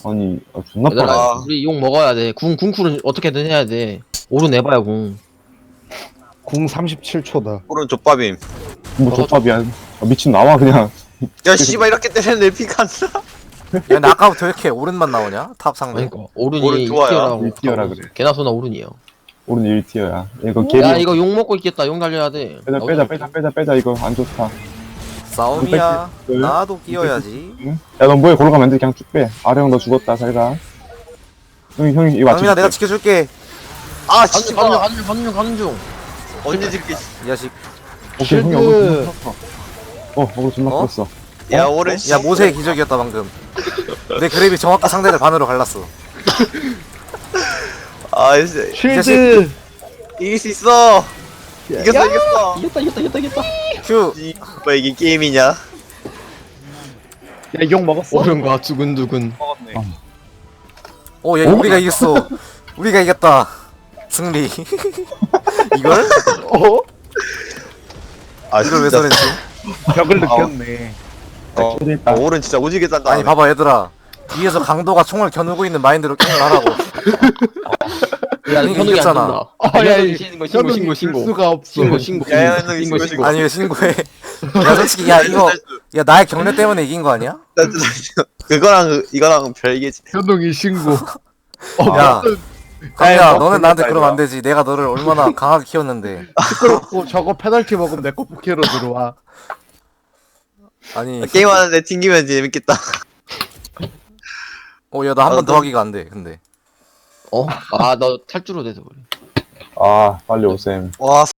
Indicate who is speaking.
Speaker 1: 아니 존나
Speaker 2: 얘들아
Speaker 1: 빨라.
Speaker 2: 우리 욕 먹어야 돼. 궁쿨은 어떻게든 해야 돼. 오른 내봐야 궁.
Speaker 3: 궁 37초다.
Speaker 4: 오른 족밥임.
Speaker 1: 뭐 족밥이야. 미친 나와 그냥.
Speaker 4: 야 씨발 이렇게 때리는데 피가 안 나.
Speaker 5: 야 근데 아까부터 왜 이렇게 오른만 나오냐? 탑 상대.
Speaker 2: 그러니까 오른이
Speaker 4: 오른 좋아요.
Speaker 2: 1티어라고
Speaker 1: 1티어라 그래.
Speaker 2: 개나 소나 오른이요.
Speaker 1: 오른 1티어야. 이거
Speaker 2: 야
Speaker 1: 개리.
Speaker 2: 이거 욕 먹고 있겠다. 욕 날려야 돼.
Speaker 1: 빼자 이거 안 좋다.
Speaker 5: 싸움이야.
Speaker 1: 그-
Speaker 5: 나도 끼어야지.
Speaker 1: 응? 야너 뭐해 골라가면 안 돼. 그냥 쭉 빼. 아령 너 죽었다 잘가. 형이 이거 맞춰.
Speaker 5: 강민아 내가 지켜줄게.
Speaker 4: 아
Speaker 2: 가는
Speaker 4: 씨발.
Speaker 2: 가는 중.
Speaker 4: 언제 지게?
Speaker 5: 이 자식.
Speaker 1: 오케이 형이
Speaker 3: 쉴드.
Speaker 1: 어그로 존나
Speaker 5: 어?
Speaker 1: 컸어.
Speaker 4: 야 오른.
Speaker 5: 야 모세의 기적이었다 방금. 내 그랩이 정확히 상대를 반으로 갈랐어.
Speaker 4: 아 이제
Speaker 3: 쉴드.
Speaker 4: 이길 수 있어. 이겼어.
Speaker 2: 이겼다.
Speaker 5: 휴.
Speaker 4: 뭐 이게 게임이냐?
Speaker 3: 야, 욕 먹었어?
Speaker 2: 오른과 두근두근.
Speaker 5: 야 우리가 이겼어. 우리가 이겼다. 승리. 이걸?
Speaker 3: 어?
Speaker 4: 아
Speaker 5: 이걸 왜
Speaker 4: 진짜.
Speaker 5: 써냈지?
Speaker 3: 벽을 느꼈네.
Speaker 1: 캐리했다.
Speaker 4: 오른 진짜 오지게 짠다.
Speaker 5: 아니 봐봐 얘들아. 뒤에서 강도가 총을 겨누고 있는 마인드로 게임을 하라고.
Speaker 2: 야
Speaker 5: 이거
Speaker 2: 현욱이 안
Speaker 5: 이겼잖아.
Speaker 2: 된다.
Speaker 3: 아, 야,
Speaker 2: 신고.
Speaker 3: 수가 없어.
Speaker 2: 신고.
Speaker 4: 야, 현욱이 신고.
Speaker 5: 아니 왜 신고해? 야 솔직히 야 이거 야 나의 경례 때문에 이긴 거 아니야?
Speaker 4: 그거랑 이거랑 별개지.
Speaker 3: 현동이 신고.
Speaker 5: 야 강민아
Speaker 3: 야,
Speaker 5: 너는 나한테 그러면 안
Speaker 3: 이거.
Speaker 5: 되지. 내가 너를 얼마나 강하게 키웠는데.
Speaker 3: 시끄럽고 저거 페널티 먹으면 내 거 부캐로 들어와.
Speaker 5: 아니
Speaker 4: 게임하는데 튕기면 재밌겠다.
Speaker 5: 야 나 한 번 더 하기가 안 돼. 근데
Speaker 2: 아 너 탈주로 돼서 그래.
Speaker 1: 아 빨리 오셈.
Speaker 4: 와